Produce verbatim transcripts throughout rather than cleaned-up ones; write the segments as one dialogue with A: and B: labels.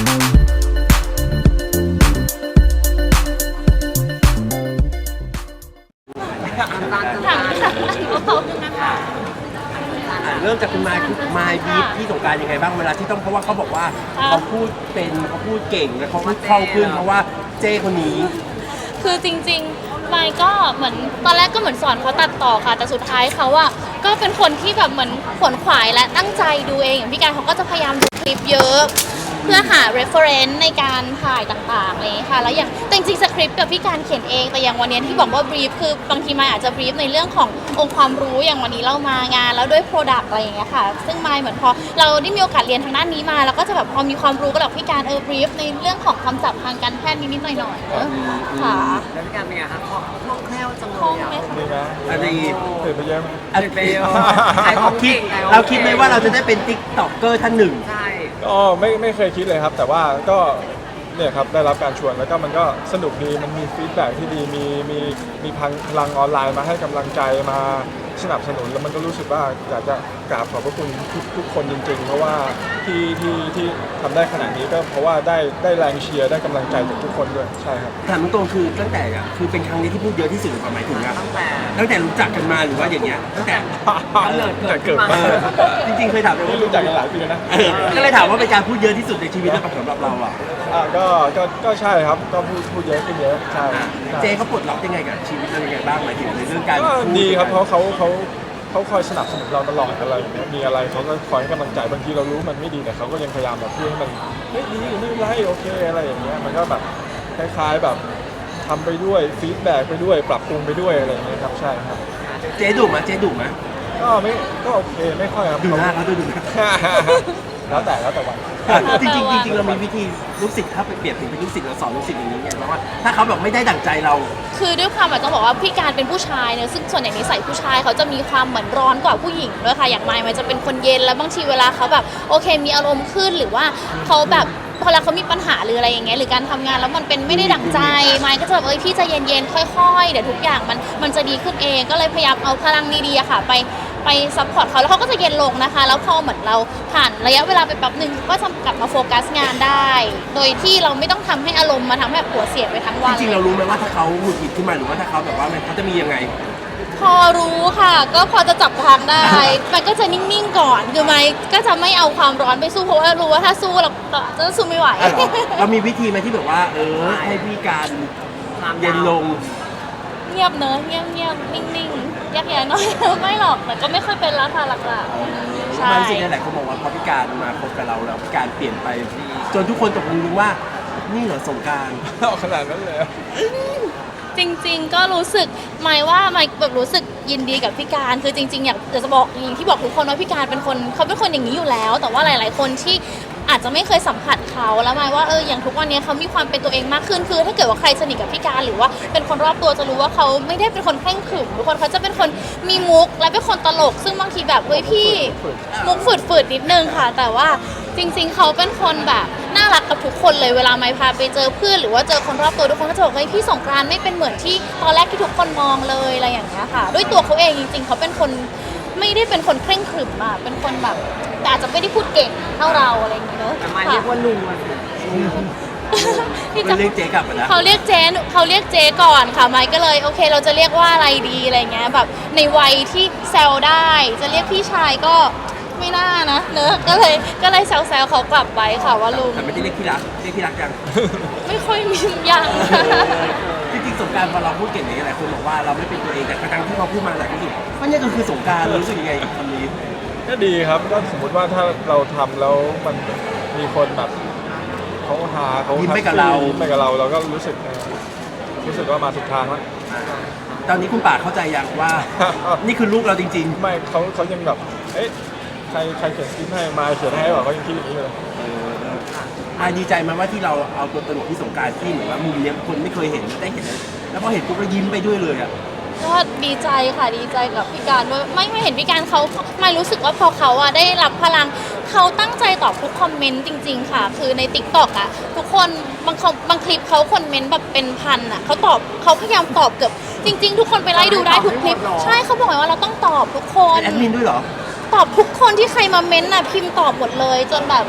A: เริ่มจากคุณมายคุณมายบีฟที่สงกรานต์ยังไงบ้างเวลาที่ต้องเพราะว่าเขาบอกว่าเขาพูดเป็นเขาพูดเก่งและเขาพูดคล่องขึ้นเพราะว่าเจ้คนนี้
B: คือจริงๆมายก็เหมือนตอนแรกก็เหมือนสอนเขาตัดต่อค่ะแต่สุดท้ายเขาอะก็เป็นคนที่แบบเหมือนขวนขวายและตั้งใจดูเองอย่างพี่การเขาก็จะพยายามดูคลิปเยอะเพื่อหา reference ในการถ่ายต่างๆเลยค่ะแล้วอย่างแต่จริงๆสคริปต์กับพี่การเขียนเองแต่อย่างวันนี้ที่บอกว่า brief คือบางทีมายอาจจะ brief ในเรื่องขององค์ความรู้อย่างวันนี้เรามางานแล้วด้วย product อะไรอย่างเงี้ยค่ะซึ่งมายเหมือนพอเราได้มีโอกาสเรียนทางด้านนี้มาแล้วก็จะแบบพอมีความรู้ก็แบบพี่การเออ brief ในเรื่องของคำศัพท์ทางการแพทย์นิดๆหน่อยๆค่ะ
C: แล้วพี่การเป็นไงคะคล่องแคล่วจังเลย
B: คล่องไหม
D: ดี
B: คะ
D: นะ
A: อันนี้
D: ตื่นไปเยอะไหม
A: อัน
C: ไปเยอะขายของเก่ง
A: เราคิดไหมว่าเราจะได้เป็นติ๊กต็อกเกอร์ท่านหนึ่ง
C: ใช่
D: ก็ไม่ไม่เคยคิดเลยครับแต่ว่าก็เนี่ยครับได้รับการชวนแล้วก็มันก็สนุกดีมันมีฟีดแบ็กที่ดีมีมีมีพลังออนไลน์มาให้กำลังใจมาสนับสนุนแล้วมันก็รู้สึกว่าอยากจะกราบขอบพระคุณทุกทุกคนจริงๆเพราะว่าที่ที่ที่ทำได้ขนาดนี้ก็เพราะว่าได้ได้แรงเชียร์ได้กำลังใจจากทุกคนด้วยใช่ครับ
A: ถามตรงๆคือตั้งแต่อะคือเป็นครั้งนี้ที่พูดเยอะที่สุดหรือเปล่าหมายถึงนะ
C: ตั้งแต่
A: ตั้งแต่รู้จักกันมาหรือว่าอย่างเงี้ยตั้งแต่
D: แต่เกิดมา
A: จริงๆเคยถามไป
D: ไม่
A: ว่า
D: รู้จักกันหลายปีแล้วนะ
A: เออก็เลยถามว่าเป็นการพูดเยอะที่สุดในชีวิตหรือเปล่าสำหรับเราอ่ะ
D: อ่าก็ก็ก็ใช่ครับก็พูดพูดเยอะขึ้นเยอะใช่ใช่
A: เจเขาปลดล็อกยังไงกับชีวิตเรายังไงบ้างหมายถึงในเรื่องการ
D: ก็
A: พู
D: ดีครับเพราะเขาเขาเขาคอยสนับสนุนเราตลอดอะไรอย่างเงี้ยมีอะไรเขาก็คอยให้กำลังใจบางทีเรารู้มันไม่ดีแต่เขาก็ยังพยายามแบบพูดให้มันเฮ้ยดีไม่เป็นไรโอเคอะไรอย่างเงี้ยมันก็แบบคล้ายๆแบบทำไปด้วยฟีดแบ็กไปด้วยปรับปรุงไปด้วยอะไรอย่างเงี้ยครับใช่ครับ
A: เจดุไหมเจดุไหม
D: ก็ไม่ก็โอเคไม่ค่อยครับ
A: ดูหน้าเขาดูดูหน้า
D: แล้วแต่แล้วแต่วัน
A: จริงจริงจริงเรามีวิธีลูกศิษย์ถ้าไปเปรียบถึงเป็นลูกศิษย์เราสอนลูกศิษย์อย่างนี้ไงเพราะว่าถ้าเขาแบบไม่ได้ดั่งใจเรา
B: คือด้วยความแบบต้องบอกว่าพี่การเป็นผู้ชายเนอะซึ่งส่วนใหญ่นิสัยผู้ชายเขาจะมีความเหมือนร้อนกว่าผู้หญิงด้วยค่ะอย่างมายมันจะเป็นคนเย็นแล้วบางทีเวลาเขาแบบโอเคมีอารมณ์ขึ้นหรือว่าเขาแบบพอเวลาเขามีปัญหาหรืออะไรอย่างเงี้ยหรือการทำงานแล้วมันเป็นไม่ได้ดั่งใจมายก็จะแบบเอ้ยพี่ใจเย็นๆค่อยๆเดี๋ยวทุกอย่างมันมันจะดีขึ้นเองก็เลยพยายามเอาพลังดีๆอะค่ะไปไปซัพพอร์ตเขาแล้วเขาก็จะเย็นลงนะคะแล้วพอเหมือนเราผ่านระยะเวลาไปแป๊บหนึ่งก็จะกลับมาโฟกัสงานได้ โดยที่เราไม่ต้องทำให้อารมณ์มาทำให้หัวเสียไปทั้งวัน
A: จริงๆเรารู้ไหมว่าถ้าเขาหงุดหงิดขึ้นมาหรือว่าถ้าเขาแบบว่ามันเขาจะมียังไง
B: พอรู้ค่ะก็พอจะจับทางได้ มันก็จะนิ่งๆก่อนคือไม่ก็จะไม่เอาความร้อนไปสู้เพราะว่ารู้ว่าถ้าสู้เราจะสู้ไม่ไหว
A: เรามีวิธีไหมที่แบบว่าเออให้พี่การเย็นลง
B: เงียบเนอะเงียบเงียบนิ่งๆแยกแยะหน่อย ไม่หรอกแต่ก็ไม่ค่อยเป็นแล้วค่ะหลักๆใช่
A: บางสิ่งหลายคนบอกว่าพอพี่การมาคบกับเราแล้วพี่การเปลี่ยนไปจนทุกคนตกลงว่านี่เหรอสงกรานต์
D: เอาขนาดนั้นเลย
B: จริงๆก็รู้สึกหมายว่าหมายแบบรู้สึกยินดีกับพี่การคือจริงๆอยากจะบอกอย่างที่บอกทุกคนว่าพี่การเป็นคนเขาเป็นคนอย่างนี้อยู่แล้ว แต่ว่าหลายๆคนที่อาจจะไม่เคยสัมผัสเขาแล้วหมายว่าเอออย่างทุกวันนี้เขามีความเป็นตัวเองมากขึ้นคือถ้าเกิดว่าใครสนิทกับพี่การหรือว่าเป็นคนรอบตัวจะรู้ว่าเขาไม่ได้เป็นคนเคร่งขรึมทุกคนเขาจะเป็นคนมีมุกและเป็นคนตลกซึ่งบางทีแบบเฮ้ยพี่มุกฝืดๆนิดนึงค่ะแต่ว่าจริงๆเขาเป็นคนแบบน่ารักกับทุกคนเลยเวลาไม่พาไปเจอเพื่อนหรือว่าเจอคนรอบตัวทุกคนก็จะบอกเฮ้ยพี่สงกรานต์ไม่เป็นเหมือนที่ตอนแรกที่ทุกคนมองเลยอะไรอย่างเงี้ยค่ะด้วยตัวเขาเองจริงๆเขาเป็นคนไม่ได้เป็นคนเคร่งขรึมอะเป็นคนแบบแต่อาจจะไม่ได้พูดเก่งเท่าเราอะไรอย่างเงี้ยเนอะ
C: แต่มาเรียกว่าลุงอะ
B: ที่
A: มันเรียกเจ๊กลับมาแล้ว
B: เขาเรียกเจ๊เขาเรียกเจ๊ก่อนค่ะไมค์ก็เลยโอเคเราจะเรียกว่าอะไรดีอะไรเงี้ยแบบในวัยที่แซวได้จะเรียกพี่ชายก็ไม่น่านะเนอะก็เลยก็เลยแซวๆเขากลับไปค่ะว่าลุง
A: แต่ไม่ได้เรียกที่รักเรียกที่รักยัง
B: ไม่ค่อยมีอย่าง
A: จริงๆสงกรานต์พอเราพูดเก่งอย่างนี้หลายคนบอกว่าเราไม่เป็นตัวเองแต่ครั้งที่เขาพูดมาหลายคนรู้สึกว่านี่ก็คือสงกรานต์รู้สึกยังไงกับคำนี้
D: ก็ดีครับก็สมมติว่าถ้าเราทำแล้วมันมีคนแบบเขาหาเขา
A: ยิ้มไปกับเรา
D: ยิ้มไปกับเราเราก็รู้สึกเออรู้สึกว่ามาถูกทางแล้ว
A: ตอนนี้คุณป่าเข้าใจยังว่า นี่คือลูกเราจริง
D: ไม่เขาเขายังแบบเอ๊ะใครใครเขียนสคริปต์ให้มาเขียนให้หรอเขายังคิดอย่างนี้เลย
A: ๆอาดีใจไหมว่าที่เราเอาตัวตลกที่สงกรานต์ที่เหมือนว่ามุมเนี้ยคนไม่เคยเห็นได้เห็นแล้วพอเห็นปุ๊บก็ยิ้มไปด้วยเลยอ่ะ
B: ก็ดีใจค่ะดีใจกับพี่การด้วยไม่ไม่เห็นพี่การเขาไม่รู้สึกว่าพอเขาอะได้รับพลังเขาตั้งใจตอบทุกคอมเมนต์จริงๆค่ะคือใน ติ๊กต็อก อะทุกคนบางบางคลิปเขาคอมเมนต์แบบเป็นพันอะเขาตอบเขาพยายามตอบเกือบจริงๆทุกคนไปไล่ดูได้ทุกคลิปใช่เขาบอกว่าเราต้องตอบทุกคน
A: แอดมินด้วยเหรอ
B: ตอบทุกคนที่ใครมาเม้นต์น่ะพิมพ์ตอบหมดเลยจนแบบ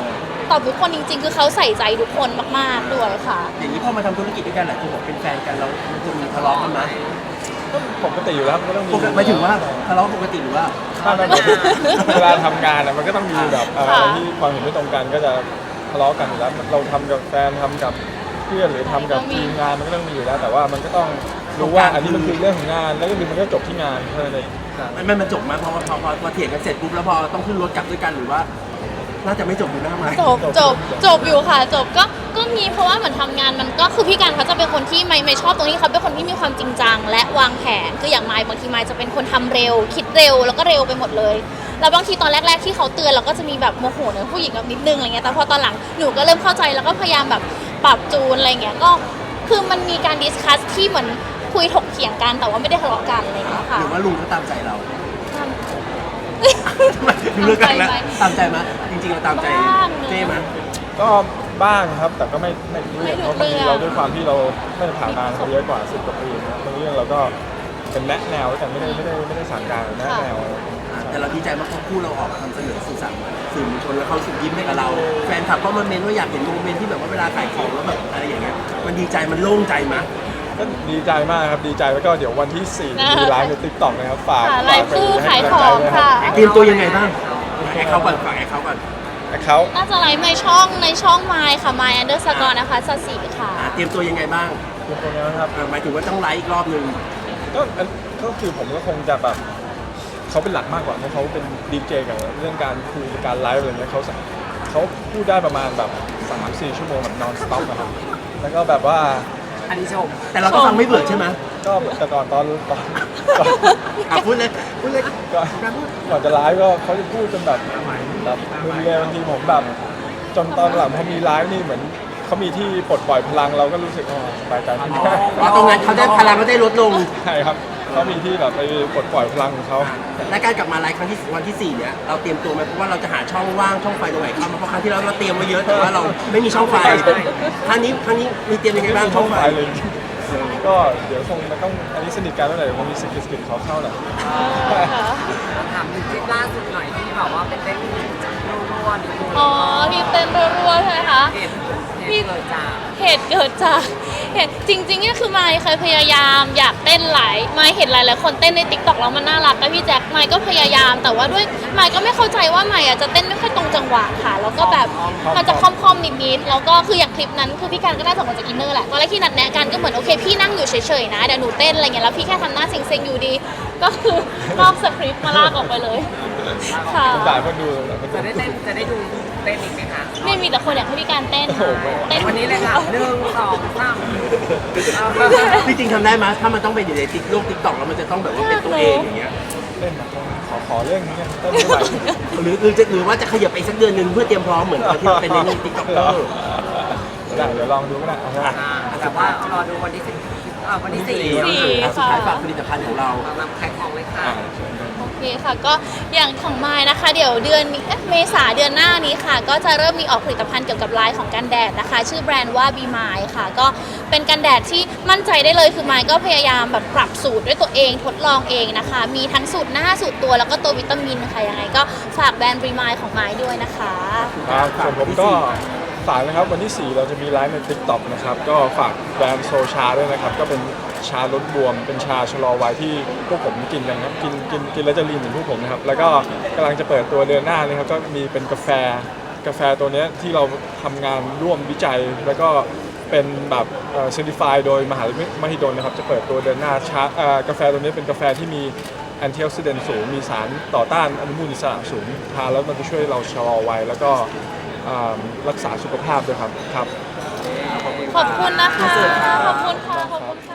B: ตอบทุกคนจริง ๆ คือเขาใส่ใจทุกคนมากๆด้วยค่ะ
A: อย่างนี้พอมาทำธุรกิจด้วยกันหลายคนบอกเป็นแฟนกันแล้วมันจะมีทะเลาะกันไหม
D: ก็ปกติอยู่แล้วมันก็ต้องมี
A: ปกติหมายถึงว่าทะเลาะปกติหรือว่า
D: ถ้ามันเวลาทำงานอะมันก็ต้องมีแบบเอ่ออะไรที่ความเห็นไม่ตรงกันก็จะทะเลาะกันอยู่แล้วเราทำกับแฟนทำกับเพื่อนหรือทำกับทีมงานมันก็ต้องมีอยู่แล้ว แต่ว่ามันก็ต้องรู้ว่าอันนี้มันคือเรื่องของงานแล้วก็คือมันก็จบที่งานเท่านั้นเอง
A: มันมันมันจบไหมพอพอพอพอเถียงกันเสร็จปุ๊บแล้วพอต้องขึ้นรถกลับด้วยกันหรือว่า น่าจะไม่จบอยู่หน้าไม้
B: จบจบจบอยู่ค่ะจบก็ก็มีเพราะว่าเหมือนทำงานมันก็คือพี่การเขาจะเป็นคนที่ไม่ไม่ชอบตรงนี้เขาเป็นคนที่มีความจริงจังและวางแผนคืออย่างไมค์บางทีไมค์จะเป็นคนทำเร็ว คิดเร็วแล้วก็เร็วไปหมดเลยแล้วบางทีตอนแรก ๆ ที่เขาเตือนเราก็จะมีแบบโมโหเนอะผู้หญิงแบบนิดนึงอะไรเงี้ยแต่พอตอนหลังหนูก็เริ่มเข้าใจแล้วก็พยายามแบบปรับจูนอะไรเงี้ยก็คือมันมีการดิสคัสที่เหมือนคุยถกเถียงกันแต่ว่าไม่ได้ทะเลาะกันอะไรเงี้ยค่ะ
A: หรือว่าลุงเขาตามใจเราทำไมดูเรื่องกันแล้วตามใจมั้ยจริงๆเราตามใจเจ้มั้ย
D: ก็บ้างครับแต่ก็ไม่ไม่ทุกเรื่องเพราะบางทีเราด้วยความที่เราไม่ได้ผ่านงานเขาเยอะกว่าสิบกว่าปีนะครับบางเรื่องเราก็เป็นแนะแนวแต่ไม่ได้ไม่ได้ไม่ได้สั่งการแนะแนว
A: แต่เราดีใจมากเพราะคู่เราออกมาทำเสนอสื่อสารสื่อมวลชนแล้วเขาสุดยิ้มให้กับเราแฟนคลับก็มาเมนว่าอยากเห็นโมเมนต์ที่แบบว่าเวลาขายของแล้วแบบอะไรอย่างเงี้ยมันดีใจมันโล่งใจมั้ย
D: ก็ดีใจมากครับดีใจแล้วก็เดี๋ยววันที่สี่มีไลฟ์ในติ๊กต็อกนะครับฝาก
B: ค่ะไลฟ์
D: ฝากไป
B: คู่
D: ให้
B: ขาย
D: กำลัง
B: ของ
D: ใจด้วย
B: ค่ะ
A: เตรียมตัวยังไงบ้างแอคเขาก่อนฝากแอคเขาก่อน
D: เขา
B: น่าจะไลฟ์ในช่องในช่องไมค์ค่ะไมค์อันเดอร์สกอร์นะคะสสีค่ะ
A: อ่ะเตรียมตัวยังไงบ้าง
D: เป็นตัวนี้นะครับ
A: อ่ะหมายถึงว่าต้องไลฟ์อีกรอบนึง
D: ก็อันก็คือผมก็คงจะแบบเขาเป็นหลักมากกว่าเพราะเขาเป็นดีเจกับเรื่องการคุยการไลฟ์อะไรเงี้ยเขาเขาพูดได้ประมาณแบบสามสี่ชั่วโมงแบบนอนสต็อปนะครับแล้วก็แบบว่า
C: อันนี้ชม
A: แต่เราก็ฟังไม่เบื่อใช่ไหม
D: ก็แต่ก่อนตอนตอนตอน
A: อ่ะพูดเลยพูดเลย
D: ก่อนก่อนจะไลฟ์ก็เขาจะพูดจนแบบแบบมึนเลยบางทีผมแบบจนตอนหลังพอมีไลฟ์นี่เหมือนเขามีที่ปลดปล่อยพลังเราก็รู้สึกอ๋อสบายใจขึ้น
A: อ๋อตรงนั้นเขาได้พลังเขาได้ลดลง
D: ใช่ครับเขามีที่แบบไปปลดปล่อยพลังของเขา
A: และการกลับมาไลฟ์ครั้งที่วันที่สี่เนี่ยเราเตรียมตัวไหมเพราะว่าเราจะหาช่องว่างช่องไฟตรงไหนเข้ามาเพราะครั้งที่แล้วเราเตรียมมาเยอะแต่ว่าเราไม่มีช่องไฟครั้งนี้ครั้งนี้มีเตรียมยังไงบ้างช่องไฟ
D: เลย ก็เดี๋ยวคงมันต้องอันนี้สนิทกันแล้วแหละเดี๋ยวคงมีสกิลสกิลเขาเข้าหน่อย
C: ถามถึงคลิปล่าสุดหน่อยที่แบบว่าเป็นเต้นรัวๆนิดนึง
B: อ๋อที่เต้นรัวๆใช่ไหมคะ
C: เหตุเหตุเกิดจาก
B: เหตุเกิดจากเหตุจริงๆเนี่ยคือไมค์เคยพยายามอยากเต้นหลายไมค์เห็นหลายๆคนเต้นในติ๊กต็อกแล้วมันน่ารักกับพี่แจ็คไมค์ก็พยายาม แต่ว่าด้วยไมค์ก็ไม่เข้าใจว่าไมค์อ่ะจะเต้นไม่ค่อยตรงจังหวะค่ะ แล้วก็แบบมันจะค่อมๆนิดๆแล้วก็คืออย่างคลิปนั้นคือพี่การก็น่าจะมาจากอินเนอร์แหละตอนแรกที่นัดแนะกันก็เหมือนโอเคพี่นั่งอยู่เฉยๆนะเดี๋ยวหนูเต้นอะไรเงี้ยแล้วพี่แค่ทำหน้าเซ็งๆอยู่ดี ก็คือนอกสคริปต์มาลากออกไปเลยค่ะ
D: ผมด่าคนดูหลายคนดู
C: จะได้เต้นจะได้ดูเต้นอีกไหมคะ
B: ไม่มีแต่คนอยากให้พี่การเต้น
D: โอ้โห
B: เต้น
C: วันนี้เลยค่ะหนึ่งสองสาม
A: จริงๆทำได้ไหมถ้ามันต้องเป็นอยู่ในติ๊กโลกติ๊กต็อกแล้วมันจะต้องแบบว่าเป็นตัวเองอย่างเงี้ย
D: เล่นมาขอขอเรื่องนี้กันเต้นไม่ไหว
A: หรือหรือจะหรือว่าจะขยับไปอีกสักเดือนหนึ่งเพื่อเตรียมพร้อมเหมือนตอนที่เราเป็นในติ๊กต็อกเกอร์
D: ได้เดี๋ยวลองดูก็ได้เอาว่า
C: อ่าแต่ว่ารอดูวันที่สิบอ่าวันที่สี่
B: สี่
A: สุดท้ายฝากผลิตภัณฑ์ของเรา
C: สำหรับขายของเลยค่ะ
D: อ่าเชิญเลย
B: โอเคค่ะก็อย่างของไมล์นะคะ เดี๋ยวเดือนนี้เอ๊ะเมษาเดือนหน้านี้ค่ะ ก็จะเริ่มมีออกผลิตภัณฑ์เกี่ยวกับไลน์ของกันแดดนะคะ ชื่อแบรนด์ว่า Be Mine ค่ะ ก็เป็นกันแดดที่มั่นใจได้เลยคือไมล์ก็พยายามแบบปรับสูตรด้วยตัวเองทดลองเองนะคะ มีทั้งสูตรหน้าสูตรตัวแล้วก็ตัววิตามินค่ะยังไงก็ฝากแบรนด์ Be Mine ของไมล์ด้วยนะคะ
D: ครับส่วนผมก็ฝากนะครับวันที่สี่เราจะมีไลฟ์ใน ติ๊กต็อก นะครับก็ฝากแบรนด์โซชาด้วยนะครับก็เป็นชาลดบวม เป็นชาชะลอวัยที่พวกผมกินกันครับกินกินกินแล้วจะลีนเหมือนพวกผมนะครับแล้วก็กำลังจะเปิดตัวเดือนหน้านี้ครับก็มีเป็นกาแฟกาแฟตัวเนี้ยที่เราทำงานร่วมวิจัย แล้วก็เป็นแบบเซอร์ติฟายโดยมหาวิทยาลัยมหิดลนะครับจะเปิดตัวเดือนหน้าชาเอ่อกาแฟตัวนี้เป็นกาแฟที่มีแอนตี้ออกซิเดนต์สูงมีสารต่อต้านอนุมูลอิสระสูงทานแล้วมันจะช่วยเราชะลอวัยแล้วก็อ่ารักษาสุขภาพด้วยครับครับ
B: ขอบคุณนะคะ ขอบคุณค่ะ ขอบคุณค่ะ